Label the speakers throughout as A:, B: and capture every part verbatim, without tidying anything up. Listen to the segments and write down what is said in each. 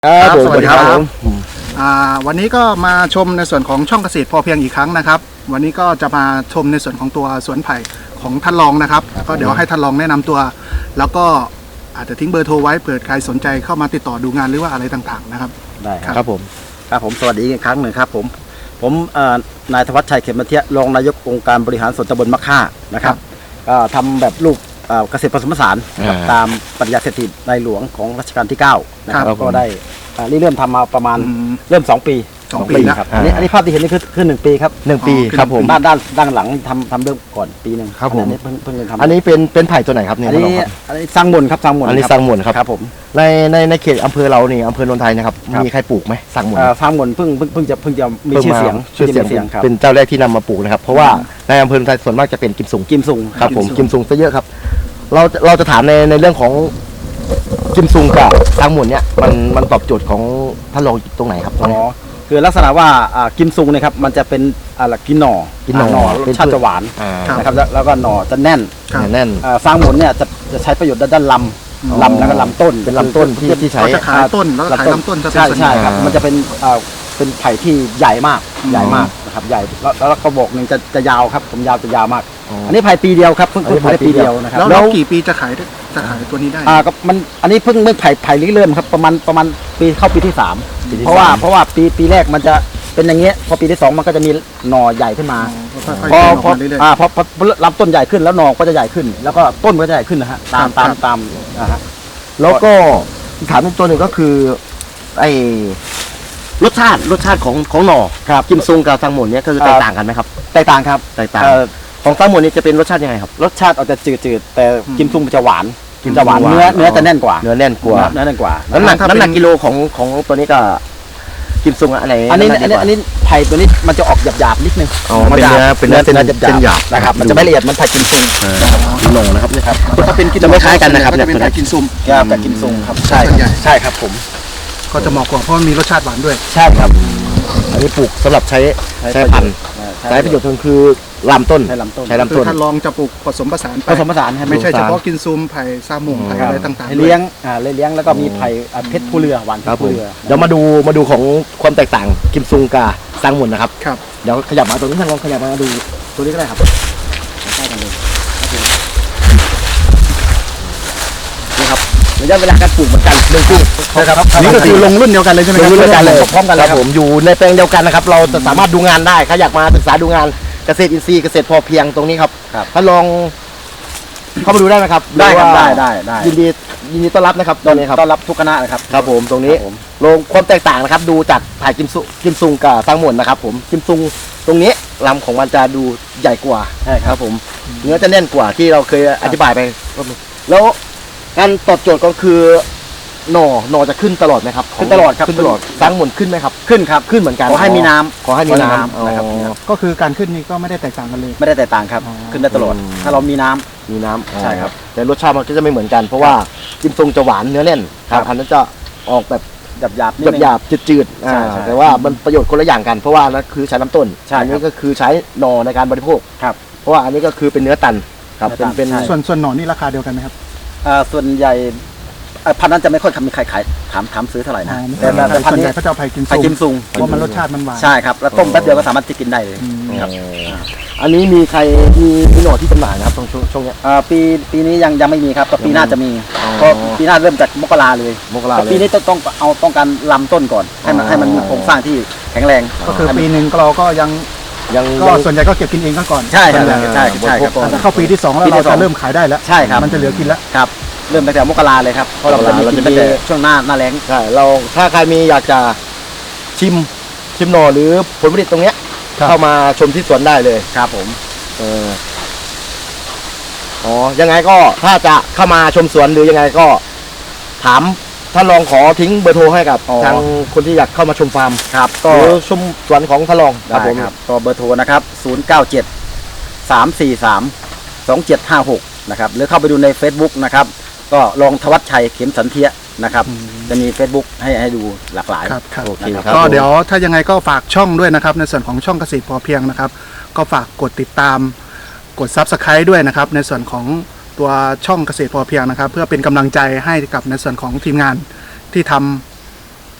A: ครับสวัสดีครับ
B: วันนี้ก็มาชมในส่วนของช่องเกษตรพอเพียงอีกครั้งนะครับวันนี้ก็จะมาชมในส่วนของตัวสวนไผ่ของท่านรองนะครับก็เดี๋ยวให้ท่านรองแนะนำตัวแล้วก็อาจจะทิ้งเบอร์โทรไว้เผื่อใครสนใจเข้ามาติดต่อดูงานหรือว่าอะไรต่างๆนะครับ
A: ได้ครับผมครับผมสวัสดีอีกครั้งหนึ่งครับผมผมนายธวัชชัยเข็มมาเทียรองนายกองค์การบริหารส่วนตำบลมะค่านะครับก็ทำแบบลูกเกษตรผสมผสานตามปริญญาเศรษฐีในหลวงของรัชกาลที่เก้านะครับก็ได้เริ่มทำมาประมาณเริ่มสองปี
B: สองปี
A: ครับอันนี้อันนี้ภาพที่เห็นนี่คือคือหนึ่งปีครับ
C: หนึ่งปีครับผม
A: ด้านด้านด้านหลังทำทำเริ่มก่อนปีหนึ่ง
C: ครับผม
A: อันนี้เพิ่งเพิ่งทำ
C: อันนี้เป็นเป็นไผ่ตัวไหนครับเนี่ย
A: อันนี้อันนี้สร้างมนครับสร้างมน
C: อันนี้สร้างมนครับ
A: ครับผม
C: ในในในเขตอำเภอเราเนี่ยอำเภอโนนไทยนะครับมีใครปลูกไหมสร้างมน
A: สร้างมนเพิ่งเพิ่งเพิ่งจะเพิ่งจะมีชื่อเสียง
C: ชื่อเสียงเป็นเจ้าแรกที่นำมาปลูกนะครับเพราะว่าในอำเภอโนนไทยส่วนมากจะเป็นกิมซุง
A: กิมซุง
C: ครับผมกิมซุงซะเยอะครับเราเราจะถามในในเรื่องของกิมซุงกับสร้างมนเนี่ยมันมันตอบโจทย์ของท่านรองตรงไหนครับ
A: อ๋อคือลักษณะว่ากิมซุงนะครับมันจะเป็นอะไรกินหน่อ
C: กินหน่อ
A: รสชาติจะหวานนะครับแล้วก็หน่อจะแน่น
C: แน่น
A: สร้างมนเนี่ยจะจะใช้ประโยชน์ด้านลำลำแล้วก็ลำต้น
C: เป็นลำต้นที่ที่ใช้
B: จะขายต้นแล้วก็ขายลำต้นจะเป็น
A: ใช่ใช่ครับมันจะเป็นเป็นไผ่ที่ใหญ่มากใหญ่มากนะครับใหญ่แล้วแล้วกระบอกหนึ่งจะจะยาวครับผมยาวจะยาวมากอันนี้ไผ่ปีเดียวครับเพิ่งเพิ่งไผ่ปีเดียวนะครับ
B: แล้วกี่ปีจะขายจะขายตัวนี้ได้
A: อ่าก็มันอันนี้เพิ่งเมื่อไผ่ไผ่เริ่มครับประมาณประมาณปีเข้าปีที่สามเพราะว่าเพราะว่าปีปีแรกมันจะเป็นอย่างเงี้ยพอปีที่สองมันก็จะมีหน่อใหญ่ขึ้นมาพอพออ่าพอพอลำต้นใหญ่ขึ้นแล้วหน่อก็จะใหญ่ขึ้นแล้วก็ต้นก็จะใหญ่ขึ้นนะฮะตามตามตามนะฮะ
C: แล้วก็ถามอีกตัวหนึ่งก็คือไอ้รสชาติรสชาติของของหน่อ
A: ครับ
C: กิมซุงกับซังหมนเนี่ยคือแตกต่างกันไหมครับ
A: แตกต่างครับ
C: แตกต่างของซังหมนนี่จะเป็นรสชาติยังไงครับ
A: รสชาติอาจจะจืดๆแต่กิมซุงจะหวานจะหวานเนื้อเนื้อจะแน่นกว่า
C: เนื้อแน่นกว่า
A: เนื้อแน่นกว่า
C: น้ำหนักน้ำหนักกิโลของของตัวนี้ก็กิมซุงอะไร
A: อันนี้อันนี้อันนี้ไผ่ตัวนี้มันจะออกหยาบๆนิดนึง
C: เป็นเนื้อเป็นเนื้อเส้นหยาบ
A: นะครับมันจะไม่ละเอียดมันไผ่กิมซุง
C: หน่งนะครับ
A: นี่ครับ
B: ถ้าเป็น
C: จะไม่คล้ายกันนะครับ
B: จะเป็นไผ่กิมซุง
A: กับกิมซุงครับ
C: ใช่ใช่ครับผม
B: ก็จะเหมาะกว่าเพราะมีรสชาติหวานด้วย
A: ใช่ครับ
C: อันนี้ปลูกสำหรับใช้ใช้พันธุ์ใช้ประโยชน์คือลำต้น
A: ใช้ลำต้น
C: ใช้ลำต้น
B: ถ้าลองจะปลูกผสมผสาน
A: ผสมผสาน
B: ไม่ใช่เฉพาะกินซุมไผ่ซาหมงไผ่อะไรต่างๆ
A: เลี้ยงอ่าเลี้ยงแล้วก็มีไผ่เพชรผู้เรือหวานเพชรผู้เรือ
C: เดี๋ยวมาดูมาดูของความแตกต่างกิมซุงกับซังหมนนะครับ
B: ครับ
C: เดี๋ยวขยับมาตรงนี้ท่านลองขยับมาดูตัวนี้ก็ได้ครับใกล้กันเลยนี่ครับระยะเวลาการปลูกเหมือนกันหนึ่งปี
B: นะครับนี่ก็คือลงรุ่นเดียวกันเลยใช่ไหมครับ
C: ลงรุ่นเดียวกันเลยพร้อมกันเลยครับผมอยู่ในแปลงเดียวกันนะครับเราจะสามารถดูงานได้ใครอยากมาศึกษาดูงานเกษตรอินทรีย์เกษตรพอเพียงตรงนี้ครับถ้าลองเข้ามาดูได้ไหมครับ
A: ได้ครับได้ได้ได้
C: ยินดียินดีต้อนรับนะครับตอนนี้ครับ
A: ต้อนรับทุกคณะนะครับ
C: ครับผมตรงนี้ลงความแตกต่างนะครับดูจากถ่ายกิมซุกิมซุงกับซังหมนนะครับผมกิมซุงตรงนี้ลำของมันจะดูใหญ่กว่า
A: ใช่
C: ครับผมเนื้อจะแน่นกว่าที่เราเคยอธิบายไปแล้วการตอบโจทย์ก็คือหน่อหน่อจะขึ้นตลอดไหมครับ
A: ขึ้นตลอดครับ
C: ขึ้นตลอดซังหมนขึ้นไหมครับ
A: ขึ้นครับ
C: ขึ้นเหมือนกัน
A: ขอให้มีน้ำ
C: ขอให้มีน้ำ
A: นะครับ
B: ก็คือการขึ้นนี่ก็ไม่ได้แตกต่างกันเลย
A: ไม่ได้แตกต่างครับขึ้นได้ตลอดถ้าเรามีน้ำ
C: มีน้ำ
A: ใช่ครับ
C: แต่รสชาติมันก็จะไม่เหมือนกันเพราะว่ากิมซุงจะหวานเนื้อแน่นครับอันนั้นจะออกแบบ
A: หยาบหยาบ
C: หยาบจืดๆแต่ว่ามันประโยชน์คนละอย่างกันเพราะว่านั่นคือใช้ลำต้นอันนี้ก็คือใช้หน่อในการบริโภค
A: ครับ
C: เพราะว่าอันนี้ก็คือเป็นเนื้อตันครับเป็นเป็น
B: ส่วนส่วนหน่อนี่ราคาเดียวกันไหมครับ
A: ส่วนใหญ่พันนั้นจะไม่ค่อยมีใครขายถามถามซื้อเท่าไหร่นะ
B: แต่แต่พันนี้เขาจะเอาไผ่กิมซุง
A: ไผ่กิมซุง
B: เพราะมันรสชาติมันหวาน
A: ใช่ครับแล้วต้มแป๊บเดียวก็สามารถจะกินได้เลยครับ
C: อันนี้มีใครมีมีหน่อที่จำหน่ายนะครับตรงช่วงนี้
A: ปีปีนี้ยังยังไม่มีครับแต่ปีหน้าจะมีก็ปีหน้าเริ่มจากมกราเลย
C: มกรา
A: ปีนี้ต้องต้องเอาต้องการลำต้นก่อนให้มันให้มันมีโครงสร้างที่แข็งแรง
B: ก็คือปีหนึ่งเราก็ยัง
C: ยัง
B: ก็ส่วนใหญ่ก็เก็บกินเองก่อน
A: ใช่ครับใช่ใช่ครับ
B: ถ้าเข้าปีที่สองแล้วเราจะเริ่มขายได้แล้ว
A: ใช่ครับ
B: มันจะเหลือกินแล้ว
A: ครับเริ่มตั้งแต่มกราเลยครับเพราะเราจะมีกินตั้งแต่ช่วงหน้าหน้าแล้ง
C: ใช่เราถ้าใครมีอยากจะชิมชิมหน่อหรือผลผลิตตรงเนี้ยเข้ามาชมที่สวนได้เลย
A: ครับผม
C: เอออ๋อยังไงก็ถ้าจะเข้ามาชมสวนหรือยังไงก็ถามท่านรองขอทิ้งเบอร์โทรให้กับทางคนที่อยากเข้ามาชมฟาร์ม
A: ครับก็
C: ชมสวนของท่านรอง
A: ครับผมก็เบอร์โทรนะครับศูนย์ เก้า เจ็ด สาม สี่ สาม สอง เจ็ด ห้า หกนะครับหรือเข้าไปดูใน Facebook นะครับก็ลองธวัชชัยเข็มสันเทียนะครับจะมี Facebook ให้ให้ดูหลากหลาย
B: ครับโอเคครับก็เดี๋ยวถ้ายังไงก็ฝากช่องด้วยนะครับในส่วนของช่องเกษตรพอเพียงนะครับก็ฝากกดติดตามกด ซับสไครบ์ ด้วยนะครับในส่วนของตัวช่องเกษตรพอเพียงนะครับเพื่อเป็นกำลังใจให้กับในส่วนของทีมงานที่ท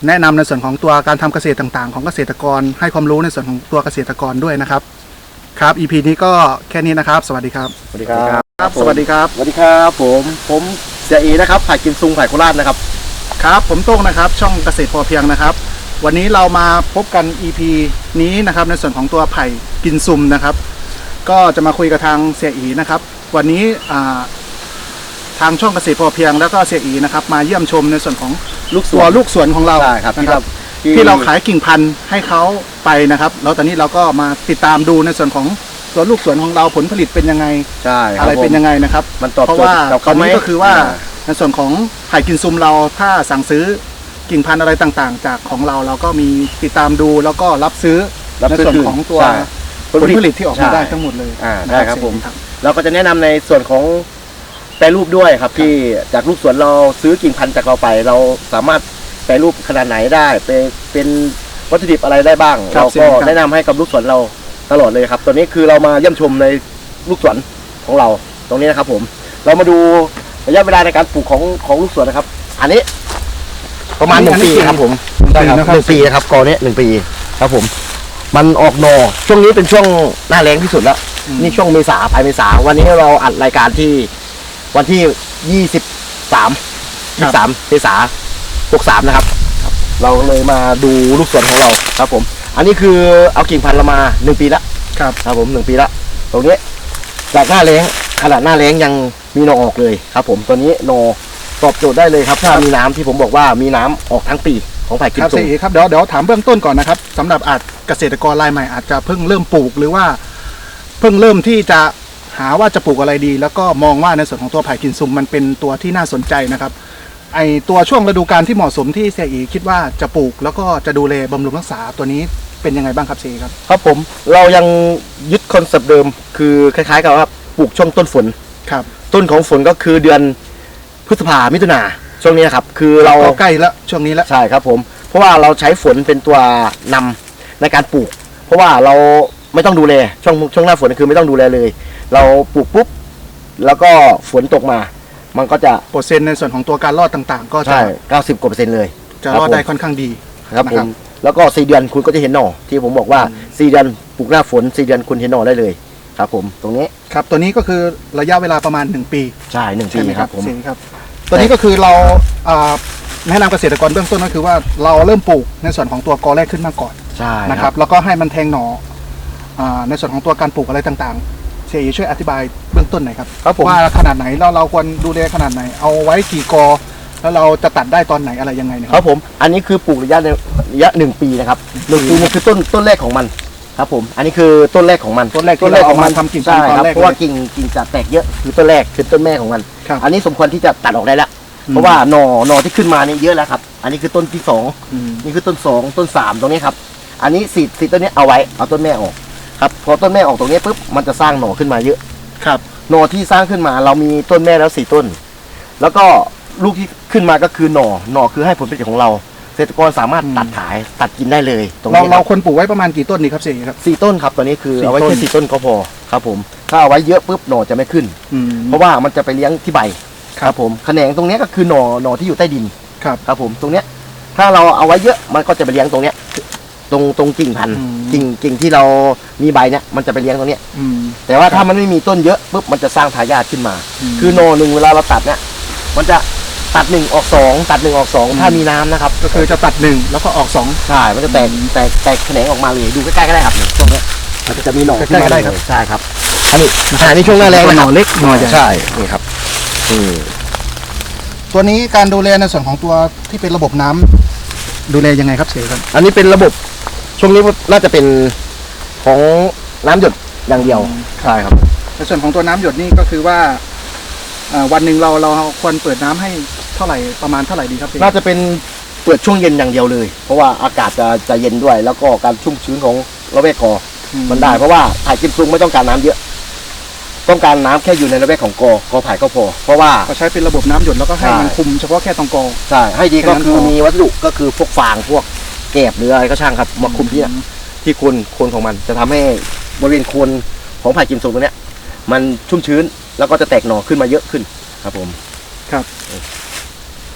B: แนะนำในส่วนของตัวการทำเกษตรต่างๆ ของเกษตรกรให้ความรู้ในส่วนของตัวเกษตรกรด้วยนะครับครับ อี พี นี้ก็แค่นี้นะครับ สวัสดีครับ
C: สวัสดีครับ
B: ครับสวัสดีครับ
C: สวัสดีครับผมผมเสียเอนะครับผ่ายกิมซุงผ่ายโคราชนะครับ
B: ครับผมโต้งนะครับช่องเกษตรพอเพียงนะครับวันนี้เรามาพบกัน อี พี นี้นะครับในส่วนของตัวไผ่กินซุมนะครับก็จะมาคุยกับทางเสียอีนะครับวันนี้อ่าทางช่องเกษตรพอเพียงแล้วก็เสียอีนะครับมาเยี่ยมชมในส่วนของลูกตัวลูกสวนของเรา
C: ใช่ครับ
B: นะครับ
C: ที่
B: ที่เราขายกิ่งพันธุ์ให้เขาไปนะครับแล้วตอนนี้เราก็มาติดตามดูในส่วนของตัวลูกสวนของเราผลผลิตเป็นยังไง
C: ใช่คบ
B: อะไรเป็นยังไงนะครับ
C: มันตอบ
B: เพราะ
C: โจท
B: ว่า
C: ย์กับ
B: ตอ
C: เขา
B: น
C: ไหม
B: นี้ก็คือว่า
C: อ่
B: ในส่วนของไผ่กินซุมเราถ้าสั่งซื้อกิ่งพันธุ์อะไรต่างๆ จากของเราเราก็มีติดตามดูแล้วก็รับซื้อ
C: รับ
B: ใน
C: ซื้อ
B: ส่วน
C: คืน
B: ของตัว
C: ใช่
B: ผลผลิตที่ออกมา
C: ใช่
B: ได้ทั้งหมดเลย
C: อ่า
B: นะ
C: ได้ครับผม
B: ครับ
C: เราก็จะแนะนำในส่วนของแปรรูปด้วยครับที่จากลูกสวนเราซื้อกิ่งพันธุ์จากเราไป เราสามารถแปรรูปขนาดไหนได้เป็นเป็นวัตถุดิบอะไรได้บ้าง
B: ครับ
C: เรา
B: เสี่
C: ก็
B: ยงครับ
C: แนะนำให้กับลูกสวนเราตลอดเลยครับตัวนี้คือเรามาเยี่ยมชมในลูกสวนของเราตรงนี้นะครับ ผม เรามาดูระยะเวลาในการปลูกของของลูกสวนนะครับ อันนี้ ประมาณหนึ่งปีครับผม
B: ใช่
C: ใช่
B: ค
C: ค
B: รั
C: รั
B: บบ
C: หนึ่งปีนะครับกอเนี้ยหนึ่งปีครับผม มันออกหนอช่วงนี้เป็นช่วงหน้าแล้งที่สุดแล้ว
B: อืม
C: นี่ช่วงเมษาปลายเมษาวันนี้เราอัดรายการที่วันที่ยี่สิบสามยี่สามเมษาหกสามนะครับ เราเลยมาดูลูกสวนของเราครับผม อันนี้คือเอากิ่งพันธุ์เรามาหนึ่งปีละ
B: ครับ
C: ครับผมหนึ่งปีละตรงนี้จากหน้าแล้งขนาดหน้าแล้งยังมีหนอออกเลยครับ ผมตัวนี้หนอตอบโจทย์ได้เลยครับถ้ามีน้ำที่ผมบอกว่ามีน้ำออกทั้งปีของไผ่กิ
B: ค
C: ม
B: รับ
C: ซุ
B: เสี
C: ง
B: ยครับเดี๋ยวเดี๋ยวถามเบื้องต้นก่อนนะครับสำหรับอาจเกษตรกรรายใหม่อาจจะเพิ่งเริ่มปลูกหรือว่าเพิ่งเริ่มที่จะหาว่าจะปลูกอะไรดี แล้วก็มองว่าในส่วนของตัวไผ่กินซุมมันเป็นตัวที่น่าสนใจนะครับไอตัวช่วงฤดูกาลที่เหมาะสมที่เสียอีคิดว่าจะปลูกแล้วก็จะดูแลบำรุงรักษาตัวนี้เป็นยังไงบ้างครับเสียครับ
C: ครับผมเรายังยึดคอนเซปต์เดิมคือคล้ายๆกับว่าปลูกช่วงต้นฝน
B: ครับ
C: ต้นของฝนก็คือเดือนพฤษภามิถุนาช่วงนี้นะครับคือเรา
B: ก็ใกล้แล้วช่วงนี้แล้ว
C: ใช่ครับผมเพราะว่าเราใช้ฝนเป็นตัวนำในการปลูก เพราะว่าเราไม่ต้องดูแลช่วงช่วงหน้าฝนคือไม่ต้องดูแลเลย เราปลูกปุ๊บแล้วก็ฝนตกมา มันก็จะ
B: เปอร์เซ็นต์ในส่วนของตัวการรอดต่างๆ ก็จะ
C: ใช่เก้าสิบกว่าเปอร์เซ็นต์เลย
B: จะรอดได้ค่อนข้างดี
C: ครับผ
B: นะครั
C: ม
B: บ
C: แล้วก็สี่เดือนคุณก็จะเห็นหน่อที่ผมบอกว่าสี่เดือนปลูกหน้าฝนสี่เดือนคุณเห็นหน่อได้เลยครับผมตรงนี้
B: ครับตัวนี้ก็คือระยะเวลาประมาณหนึ่งปี
C: ใช่หนึ่ง
B: ใช่
C: ปี
B: ไหม
C: ค
B: ค
C: รั
B: รั
C: บบ ผม
B: เสียครับตัวนี้ก็คือเราอ่าแนะนำเกษตรกรเบื้องต้นก็คือว่าเราเริ่มปลูกในส่วนของตัวกอแรกขึ้นมาก่อน
C: ใช่
B: นะครับแล้วก็ให้มันแทงหน่ออ่าในส่วนของตัวการปลูกอะไรต่างๆเสียช่วยอธิบายเบื้องต้นหน่อยครับ
C: ครับผม
B: ว่าขนาดไหนเราเราควรดูแลขนาดไหน เอาไว้กี่กอ แล้วเราจะตัดได้ตอนไหนอะไรยังไงนะค
C: ครับ รับผมอันนี้คือปลูกระยะในระยะหนึ่งปีนะครับหนึ่งปีนี่คือต้นต้นแรกของมันครับผมอันนี้คือต้นแรกของมัน
B: ต้นแรกที่เราเอามาทำกิ่งพัน
C: ใช่
B: ธุ์ตอน
C: ครับ
B: แรก
C: เพราะว่า
B: เลย
C: กิ่งกิ่งจะแตกเยอะคือต้นแรกคือต้นแม่ของมัน
B: ครับ
C: อันนี้สมควรที่จะตัดออกได้แล้ว
B: อืม
C: เพราะว่าหน่อหน่อที่ขึ้นมานี่เยอะแล้วครับ อันนี้คือต้นที่สอง
B: อืม
C: นี่คือต้นสองต้นสามตรงนี้ครับ อันนี้สีสีต้นนี้เอาไว้เอาต้นแม่ออกครับพอต้นแม่ออกตรงนี้ปุ๊บมันจะสร้างหน่อขึ้นมาเยอะ
B: ครับ
C: หน่อที่สร้างขึ้นมาเรามีต้นแม่แล้วสี่ต้น แล้วก็ลูกที่ขึ้นมาก็คือหน่อหน่อคือให้ผลผลิตของเราเกษตรกรสามารถตัดขายตัดกินได้เลยตรง
B: เรา
C: นี้ค
B: เรา
C: รับ
B: ควรปลูกไว้ประมาณกี่ต้นดีครับเสียครับ
C: สี่ต้นครับตอนนี้คือ
B: สี่
C: เอาไว้
B: ต้
C: แค่
B: น
C: สี่ต้นก็พอครับผมถ้าเอาไว้เยอะปุ๊บหน่อจะไม่ขึ้น
B: อืม
C: เพราะว่ามันจะไปเลี้ยงที่ใบ
B: ครับ
C: ผมแขนงตรงเนี้ยก็คือหน่อหน่อที่อยู่ใต้ดิน
B: ครับ
C: ครับผมตรงเนี้ยถ้าเราเอาไว้เยอะมันก็จะไปเลี้ยงตรงเนี้ยตรงตรงกิ่งพันธุ์
B: อืม
C: กิ่งกิ่งที่เรามีใบเนี้ยมันจะไปเลี้ยงตรงเนี้ย
B: อืม
C: แต่ว่าถ้ามันไม่มีต้นเยอะปุ๊บมันจะสร้างทายาทขึ้นมา
B: อืม
C: คือหน่อหนึ่งเวลาเราตัดเนี่ยมันจะตัดหนึ่งออกสองตัดหนึ่งออกสอง
B: อืม
C: ถ้ามีน้ำนะครับ
B: ก็คือจะตัดหนึ่งแล้วก็ออกสอง
C: ใช่มันจะแตกแตกแตกแขนงออกมาเลยดูใกล้ๆก็ได้ครับเนี่ยตรงเนี้ยมันจะมีหน่อขึ้น
B: ใกล้ๆก็
C: มา
B: ได้
C: เลย
B: ครับ
C: ใช่ครับอันนี้อันนี้ช่วงหน้าแรง
B: ห
C: นะค
B: น่
C: รั
B: อบ เล็กหน่อใหญ่
C: ใช่นี่ครับอืม
B: ตัวนี้การดูแลในส่วนของตัวที่เป็นระบบน้ำดูแลยังไงครับเสียครับ
C: อันนี้เป็นระบบช่วงนี้น่าจะเป็นของน้ำหยดอย่างเดียวใช่ครับ
B: ในส่วนของตัวน้ำหยดนี่ก็คือว่าเอ่อวันหนึ่งเราเราควรเปิดน้ำให้เท่าไหร่ประมาณเท่าไหร่ดีครับเสีย
C: น่าจะเป็นเปิดช่วงเย็นอย่างเดียวเลย เพราะว่าอากาศจะจะเย็นด้วย แล้วก็การชุ่มชื้นของระเบียกอ
B: อื
C: มันได้ เพราะว่าไผ่กิมซุงไม่ต้องการน้ำเยอะ ต้องการน้ำแค่อยู่ในระเบียกของกอกอไผ่ก็พอ เพราะว่า
B: ก็ใช้เป็นระบบน้ำหยดแล้วก็ให้
C: ใช่
B: มันคุมเฉพาะแค่ตรงกอ
C: ใช่ให้ดีก็คือ
B: แค่นั้นพอ
C: มีวัสดุก็คือพวกฟางพวกแกบหรืออะไรก็ช่างครับมาคุมที่เนี่ยที่โคนโคนของมันจะทำให้บริเวณโคนของไผ่กิมซุงตัวเนี้ยมันชุ่มชื้นแล้วก็จะแตกหน่อขึ้นมาเยอะขึ้นครับผม
B: ครับ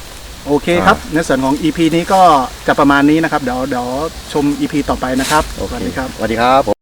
B: โอเคครับในส่วนของ อี พี นี้ก็จะประมาณนี้นะครับเดี๋ยวเดี๋ยวชม อี พี ต่อไปนะครับ
C: โอเค
B: สวัสดีครับ
C: สวัสดีครับ